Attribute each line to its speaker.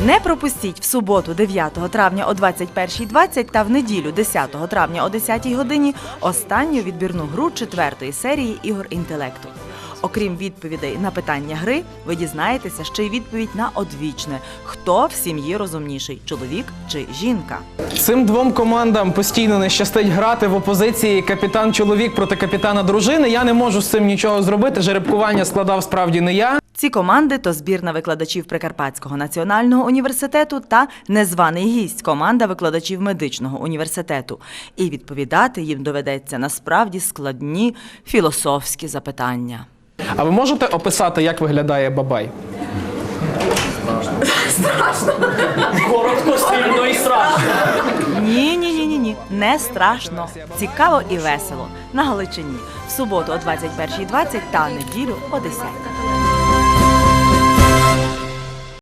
Speaker 1: Не пропустіть в суботу 9 травня о 21:20 та в неділю 10 травня о 10 годині останню відбірну гру 4-ї серії ігор інтелекту. Окрім відповідей на питання гри, ви дізнаєтеся ще й відповідь на одвічне – хто в сім'ї розумніший – чоловік чи жінка.
Speaker 2: Цим двом командам постійно не щастить грати в опозиції капітан-чоловік проти капітана-дружини. Я не можу з цим нічого зробити, жеребкування складав справді не я.
Speaker 1: Ці команди – то збірна викладачів Прикарпатського національного університету та незваний гість – команда викладачів медичного університету. І відповідати їм доведеться насправді складні філософські запитання.
Speaker 2: А ви можете описати, як виглядає бабай?
Speaker 3: Страшно. Коротко, сильно і страшно.
Speaker 1: Ні, не страшно. Цікаво і весело. На Галичині. В суботу о 21:20 та неділю о 10:00.